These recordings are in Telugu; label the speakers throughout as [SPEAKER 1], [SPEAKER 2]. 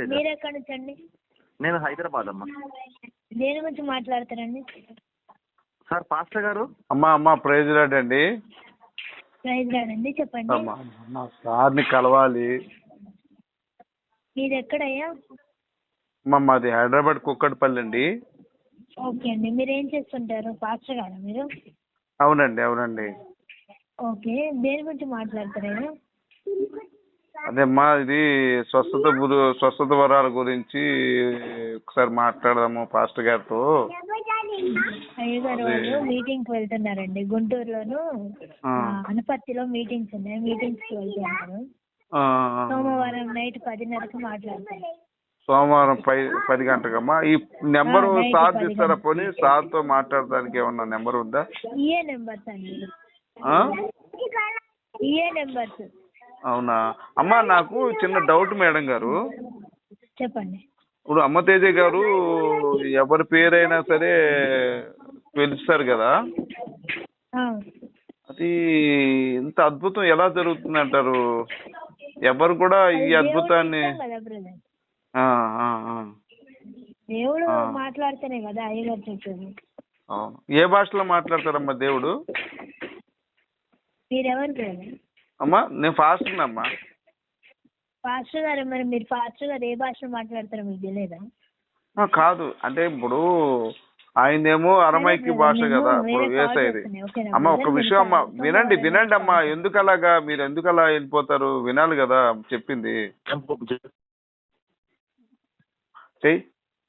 [SPEAKER 1] మీరు ఎక్కడి నుంచి అండి?
[SPEAKER 2] నేను హైదరాబాద్ అమ్మా.
[SPEAKER 1] దేని గురించి మాట్లాడతారండి?
[SPEAKER 2] సార్ పాస్టర్ గారు.
[SPEAKER 3] అమ్మా ప్రైజ్ లార్డ్ అండి.
[SPEAKER 1] ప్రైజ్ లార్డ్ అండి, చెప్పండి.
[SPEAKER 3] మా సార్ని కలవాలి.
[SPEAKER 1] మీది ఎక్కడయ్యా?
[SPEAKER 3] మాది హైదరాబాద్ కుక్కట్పల్లి అండి.
[SPEAKER 1] ఓకే అండి, మీరు ఏం చేస్తుంటారు? పాస్టర్ గారా మీరు?
[SPEAKER 3] అవునండి.
[SPEAKER 1] ఓకే, దేని గురించి మాట్లాడతారయ్యా?
[SPEAKER 3] అదేమ్మా, ఇది స్వస్థత వరాల గురించి ఒకసారి మాట్లాడదాము పాస్టర్ గారితో.
[SPEAKER 1] అయ్యగారు వాళ్ళు మీటింగ్కి వెళ్తున్నారండి, గుంటూరులోను అనపర్తిలో మీటింగ్స్ ఉన్నాయి, మీటింగ్స్కి వెళ్తున్నారు. సోమవారం నైట్ 10:30కి మాట్లాడతారు.
[SPEAKER 3] సోమవారం 10 గంటలకమ్మా. ఈ నెంబరు సార్ ఇస్తారా? పోనీ సార్తో మాట్లాడడానికి ఏమన్నా నెంబర్ ఉందా?
[SPEAKER 1] ఇయే నెంబర్స్ అండి, ఇయే నెంబర్స్.
[SPEAKER 3] అవునా అమ్మా, నాకు చిన్న డౌట్ మేడం గారు.
[SPEAKER 1] చెప్పండి.
[SPEAKER 3] ఇప్పుడు అమ్మతేజ గారు ఎవరి పేరైనా సరే పిలుస్తారు కదా, అది ఇంత అద్భుతం ఎలా జరుగుతుంది అంటారు? ఎవరు కూడా ఈ అద్భుతాన్ని
[SPEAKER 1] దేవుడు మాట్లాడితేనే కదా అయ్యగారు చెప్పేది.
[SPEAKER 3] ఏ భాషలో మాట్లాడతారమ్మా దేవుడు?
[SPEAKER 1] మీరెవరు పేరు?
[SPEAKER 3] అమ్మా నేను పాస్టర్ అమ్మా.
[SPEAKER 1] పాస్టర్ గారు, మరి మీరు పాస్టర్ గారు ఏ భాషలో మాట్లాడతారో మీకు తెలియదా?
[SPEAKER 3] కాదు అంటే ఇప్పుడు ఆయనేమో అరమైకి భాష కదా ఇప్పుడు వేసేది. అమ్మ ఒక విషయం అమ్మా, వినండి అమ్మా. ఎందుకు అలాగా మీరు ఎందుకు అలా వెళ్ళిపోతారు? వినాలి కదా చెప్పింది. చెయ్యి.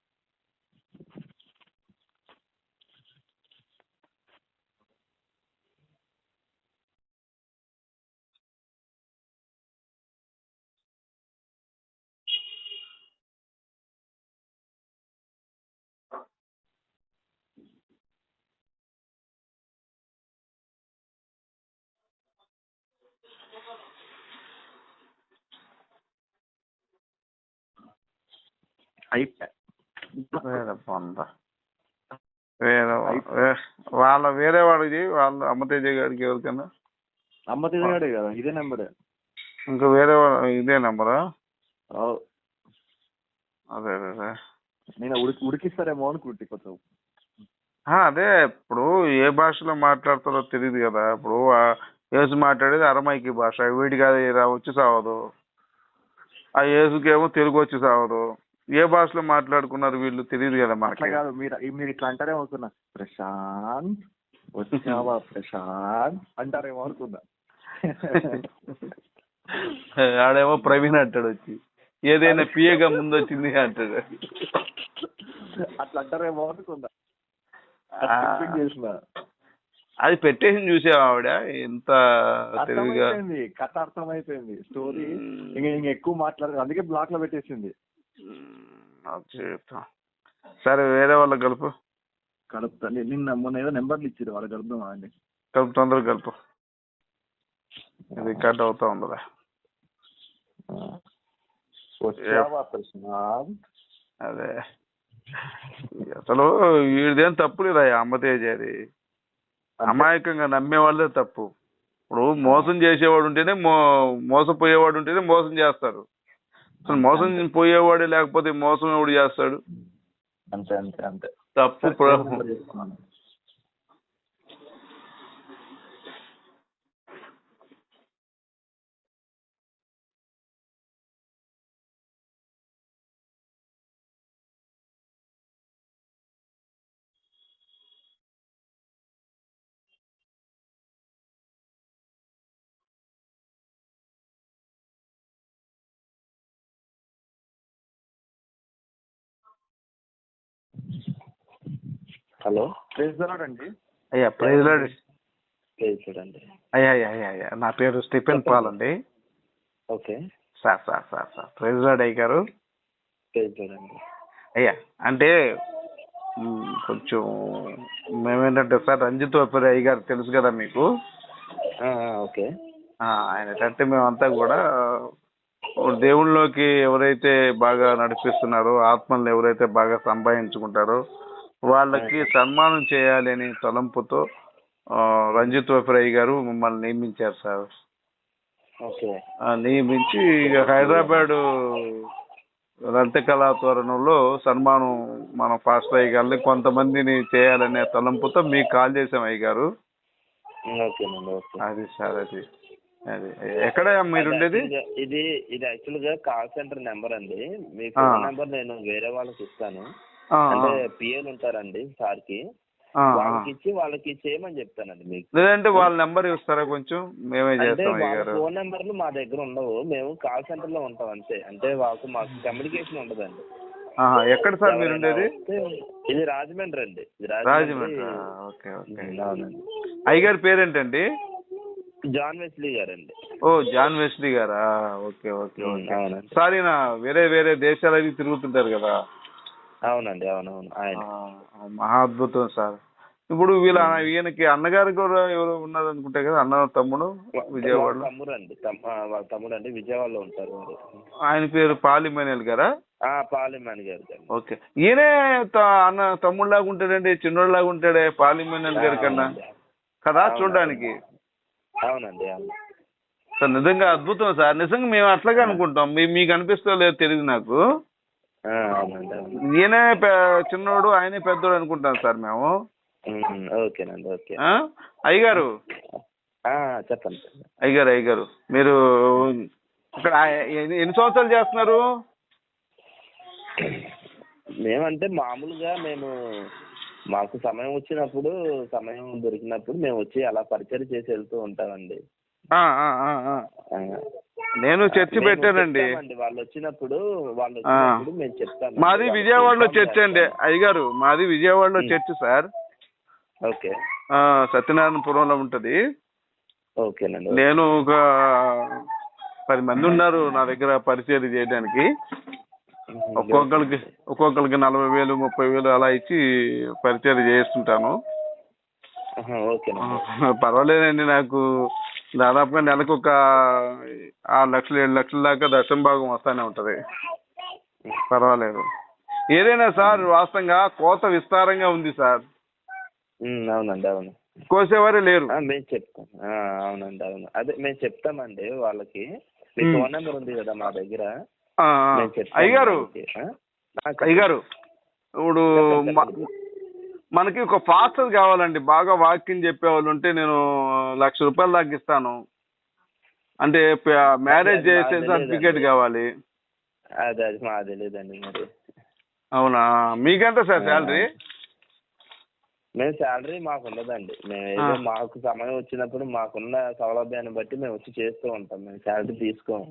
[SPEAKER 3] వేరే వాడికి వాళ్ళ అమ్మతేజ గారికి ఎవరికైనా?
[SPEAKER 2] అమ్మతేజ గారే కదా, ఇదే నెంబరే.
[SPEAKER 3] ఇంకా వేరే ఇదే నెంబరా? అదే
[SPEAKER 2] నేను ఉడికిస్తారేమో అనుకుంటే కొంచెం.
[SPEAKER 3] అదే ఇప్పుడు ఏ భాషలో మాట్లాడతారో తెలియదు కదా. ఇప్పుడు యేసు మాట్లాడేది అరమైకి భాష, వీడికి అది వచ్చి సావదు. ఆ యేసుకేమో తెలుగు వచ్చి సావదు. ఏ భాషలో మాట్లాడుకున్నారు వీళ్ళు తెలియదు కదా మనకి.
[SPEAKER 2] కాదు, మీరు ఇట్లా అంటారేమో అనుకున్నా. ప్రశాంత్ వచ్చావా ప్రశాంత్ అంటారేమో అనుకున్నా.
[SPEAKER 3] ఆడేమో ప్రవీణ్ అంటాడు వచ్చి, ఏదైనా పిఏగా ముందు వచ్చింది అంటాడు.
[SPEAKER 2] అట్లా అంటారేమో అనుకున్నా.
[SPEAKER 3] అది పెట్టేసి చూసావా ఆవిడ ఎంత తెలివిగా?
[SPEAKER 2] కథ అర్థమైపోయింది, స్టోరీ ఇంకా ఎక్కువ మాట్లాడదు, అందుకే బ్లాక్ లో పెట్టేసింది.
[SPEAKER 3] సరే వేరే వాళ్ళకి
[SPEAKER 2] కలుపుతా. నిన్న మొన్న ఏదో నెంబర్లు ఇచ్చారు, వాళ్ళకి కలుపుదామా అండి?
[SPEAKER 3] తొందరగా కలుపు, ఇది కట్ అవుతా ఉండదా? అదే అసలు వీడిదేం తప్పు లేదా అమ్మతేజ? అది అమాయకంగా నమ్మే వాళ్ళే తప్పు. ఇప్పుడు మోసం చేసేవాడు ఉంటేనే మోసపోయేవాడు ఉంటేనే మోసం చేస్తారు. అసలు మోసం పోయేవాడే లేకపోతే మోసం ఎవడు చేస్తాడు?
[SPEAKER 2] అంతే
[SPEAKER 3] తప్పు.
[SPEAKER 2] హలో, ప్రైజ్ లార్డ్ అండి.
[SPEAKER 3] అయ్యా ప్రైజ్ లార్డ్.
[SPEAKER 2] అయ్యా
[SPEAKER 3] నా పేరు స్టీఫెన్ పాల్ అండి.
[SPEAKER 2] ఓకే
[SPEAKER 3] సార్ ప్రైజ్ లార్డ్ అయ్య గారు. అయ్యా అంటే కొంచెం మేమేంటంటే సార్ రంజిత్ వపరి అయ్య గారు తెలుసు కదా మీకు?
[SPEAKER 2] ఓకే.
[SPEAKER 3] ఆయన అంటే మేమంతా కూడా దేవుళ్ళలోకి ఎవరైతే బాగా నడిపిస్తున్నారో, ఆత్మల్ని ఎవరైతే బాగా సంపాదించుకుంటారో వాళ్ళకి సన్మానం చేయాలి అని తలంపుతో రంజిత్ వఫరయ్య గారు మమ్మల్ని నియమించారు సార్. నియమించి హైదరాబాద్ లలిత కళాతోరణంలో సన్మానం మన పాస్టర్ అయ్య గారిని కొంతమందిని చేయాలనే తలంపుతో మీకు కాల్ చేసాం అయ్య గారు.
[SPEAKER 4] ఓకేనండి, ఓకే.
[SPEAKER 3] అది సార్ అది అది ఎక్కడ మీరు ఉండేది?
[SPEAKER 4] ఇది ఇది యాక్చువల్ గా కాల్ సెంటర్ నెంబర్ అండి. మీ ఫోన్ నెంబర్ నేను వేరే వాళ్ళకి ఇస్తాను. అంటే పిఎల్ ఉంటారండి సార్కి, వాళ్ళకి చేయమని చెప్తానండి మీకు.
[SPEAKER 3] లేదంటే వాళ్ళ నెంబర్ ఇస్తారా కొంచెం, మేమే చేస్తాం.
[SPEAKER 4] వాళ్ళ ఫోన్ నెంబర్లు మా దగ్గర ఉండవు, మేము కాల్ సెంటర్ లో ఉంటాం అంతే. అంటే మాకు కమ్యూనికేషన్ ఉండదండి.
[SPEAKER 3] ఎక్కడ సార్ మీరు ఉండేది?
[SPEAKER 4] ఇది రాజమండ్రి అండి.
[SPEAKER 3] రాజమండ్రి. Okay okay.
[SPEAKER 4] అవునండి.
[SPEAKER 3] అయ్యగారి పేరేంటండి?
[SPEAKER 4] జాన్ వెస్లీ గారండి.
[SPEAKER 3] ఓ జాన్ వెస్లీ గారా? Okay okay okay.
[SPEAKER 4] అవునండి.
[SPEAKER 3] సార్ ఈయన వేరే వేరే దేశాలు అవి తిరుగుతుంటారు కదా?
[SPEAKER 4] అవునండి, అవునవును. ఆయన
[SPEAKER 3] మహా అద్భుతం సార్. ఇప్పుడు ఈయనకి అన్నగారు కూడా ఎవరు ఉన్నారు అనుకుంటే కదా, అన్న తమ్ముడు విజయవాడలో?
[SPEAKER 4] వాళ్ళ తమ్ముడు అండి, విజయవాడలో ఉంటారు.
[SPEAKER 3] ఆయన పేరు పాలిమేనల్ గారా?
[SPEAKER 4] పాలిమేన్ గారు.
[SPEAKER 3] ఓకే. ఈయనే అన్న తమ్ముడు లాగా ఉంటాడండి, చిన్నోడు లాగా ఉంటాడే పాలిమేనల్ గారి కన్నా కదా చూడడానికి?
[SPEAKER 4] అవునండి, అవును
[SPEAKER 3] సార్. నిజంగా అద్భుతం సార్. నిజంగా మేము అట్లాగే అనుకుంటాం. మీకు అనిపిస్తో లేదు తెలియదు నాకు. ఈయనే చిన్నోడు, ఆయనే పెద్దోడు అనుకుంటాం సార్ మేము.
[SPEAKER 4] ఓకేనండి, ఓకే.
[SPEAKER 3] అయ్యగారు
[SPEAKER 4] చెప్పండి.
[SPEAKER 3] అయ్యగారు మీరు ఇక్కడ ఎన్ని సంవత్సరాలు చేస్తున్నారు?
[SPEAKER 4] మేమంటే మామూలుగా మాకు సమయం వచ్చినప్పుడు, సమయం దొరికినప్పుడు మేము వచ్చి అలా పరిచయం చేసి వెళ్తూ ఉంటామండి.
[SPEAKER 3] నేను చర్చి పెట్టానండి.
[SPEAKER 4] వాళ్ళు వచ్చినప్పుడు మేము చెప్తాం.
[SPEAKER 3] మాది విజయవాడలో చర్చి అండి అయ్యగారు. మాది విజయవాడలో చర్చి సార్.
[SPEAKER 4] ఓకే.
[SPEAKER 3] సత్యనారాయణపురంలో ఉంటది.
[SPEAKER 4] ఓకేనండి.
[SPEAKER 3] నేను ఒక 10 మంది ఉన్నారు నా దగ్గర పరిచయం చేయడానికి. ఒక్కొక్కరికి 40,000 30,000 అలా ఇచ్చి పరిచయం చేస్తుంటాను. పర్వాలేదండి. నాకు దాదాపుగా నెలకు ఒక 6 లక్షలు 7 లక్షల దాకా దశమ భాగం వస్తానే ఉంటది. పర్వాలేదు. ఏదైనా సార్ వాస్తవంగా కోత విస్తారంగా ఉంది సార్.
[SPEAKER 4] అవునండి, అవును.
[SPEAKER 3] కోసేవారే లేరు.
[SPEAKER 4] మేము చెప్తాం. అవునండి, అవును. అదే మేము చెప్తామండి వాళ్ళకి. మీ ఫోన్ నెంబర్ ఉంది కదా మా దగ్గర.
[SPEAKER 3] అయ్యగారు ఇప్పుడు మనకి ఒక ఫాస్టర్ కావాలండి, బాగా వాక్యం చెప్పేవాళ్ళు ఉంటే నేను ₹1,00,000 దాకా ఇస్తాను. అంటే మ్యారేజ్ చేసే సర్టిఫికేట్ కావాలి.
[SPEAKER 4] అది మాకు తెలియదండి మరి.
[SPEAKER 3] అవునా? మీకెంత సార్ శాలరీ?
[SPEAKER 4] మేము శాలరీ మాకు ఉండదండి. మేము ఏదో మాకు సమయం వచ్చినప్పుడు మాకున్న సౌలభ్యాన్ని బట్టి మేము వచ్చి చేస్తూ ఉంటాం. మేము శాలరీ తీసుకోము.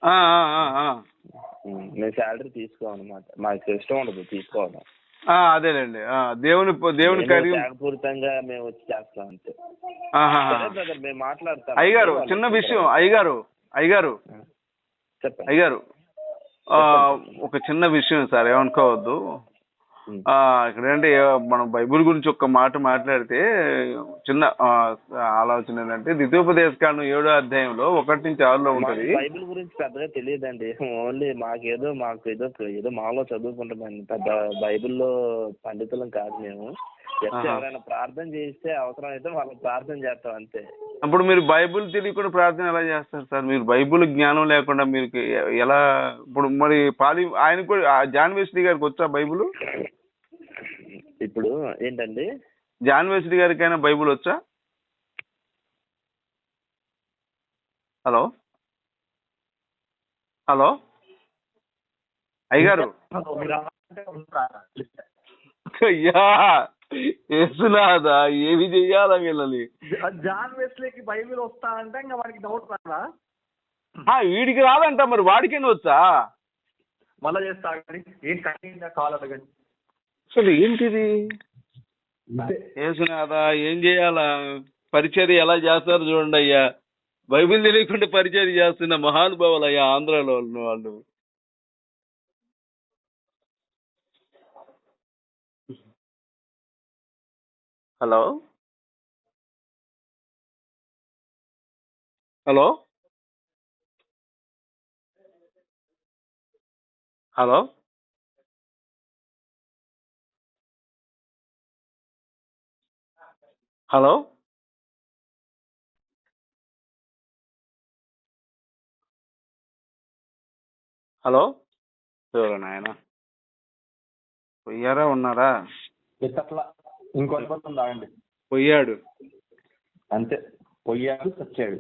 [SPEAKER 4] మేము శాలరీ తీసుకోమన్నమాట. మాకు ఇష్టం ఉండదు తీసుకోవడం.
[SPEAKER 3] అదేలేండి. దేవుని
[SPEAKER 4] పూర్తంగా మేము వచ్చి చేస్తాం అంతే. మేము మాట్లాడతాం.
[SPEAKER 3] అయ్యగారు చిన్న విషయం. అయ్యగారు
[SPEAKER 4] చెప్పండి.
[SPEAKER 3] అయ్యగారు ఒక చిన్న విషయం సార్, ఏమనుకోవద్దు. ఇక్కడ ఏంటి మనం బైబిల్ గురించి ఒక్క మాట మాట్లాడితే చిన్న ఆలోచన ఏంటంటే, ద్వితీయోపదేశకాండం 7వ అధ్యాయంలో 1-6 ఉంటది.
[SPEAKER 4] బైబిల్ గురించి పెద్దగా తెలియదండి. ఓన్లీ మాకు ఏదో మాలో చదువుకుంటామండి. పెద్ద బైబిల్లో పండితులం కాదు మేము. ఎవరైనా ప్రార్థన చేస్తే అవసరం అయితే వాళ్ళకి ప్రార్థన చేస్తాం అంతే.
[SPEAKER 3] అప్పుడు మీరు బైబిల్ తెలియకుండా ప్రార్థన ఎలా చేస్తారు సార్? మీరు బైబిల్ జ్ఞానం లేకుండా మీరు ఎలా? ఇప్పుడు మరి ఆయన కూడా జాన్ వెస్లీ గారికి వచ్చా బైబిల్?
[SPEAKER 4] ఇప్పుడు ఏంటండి,
[SPEAKER 3] జాన్ వెస్లీ గారికైనా బైబిల్ వచ్చా? హలో అయ్యగారు. అయ్యా ఏసునాదా, ఏమి చెయ్యాలా వీళ్ళని?
[SPEAKER 2] జాన్ వెస్లీకి బైబిల్ వస్తా అంటే ఇంకా వాడికి డౌట్ రాదా?
[SPEAKER 3] వీడికి రాదంట, మరి వాడికేనా వచ్చా?
[SPEAKER 2] మళ్ళా చేస్తా. ఏం కాల్ అడగండి.
[SPEAKER 3] అసలు ఏంటిది? ఏసునాదా ఏం చేయాలా? పరిచర్య ఎలా చేస్తారు చూడండి అయ్యా. బైబిల్ తెలియకుండా పరిచర్య చేస్తున్న మహానుభావులు అయ్యా ఆంధ్రాలో వాళ్ళు. Hello hello hello hello hello ఎవరు నాయన పోయారా ఉన్నారా?
[SPEAKER 2] ఎత్తట్లా ఇంకొంతమంది తాగండి.
[SPEAKER 3] పోయాడు
[SPEAKER 2] అంతే, పోయాడు చచ్చాడు.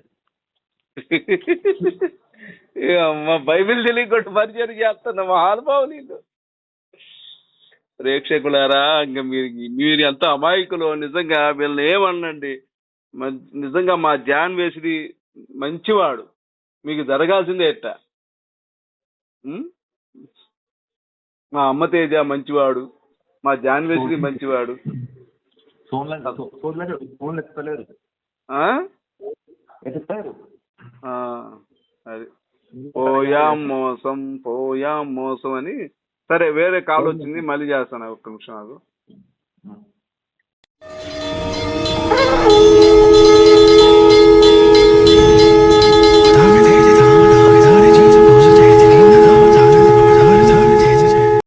[SPEAKER 3] అమ్మ బైబిల్ తెలియకుండా పరిచయం చేస్తున్నా మహానుభావు నీకు. ప్రేక్షకులారా, ఇంకా మీరు ఎంత అమాయకులు నిజంగా. వీళ్ళని ఏమనండి, నిజంగా మా జాన్ వేసిది మంచివాడు, మీకు జరగాల్సిందే ఎట్ట. మా అమ్మ తేజ మంచివాడు, మా జాన్ వేసిది మంచివాడు. అది పోయాం మోసం అని. సరే, వేరే కాల్ వచ్చింది, మళ్ళీ చేస్తాను, ఒక్క నిమిషం నాకు.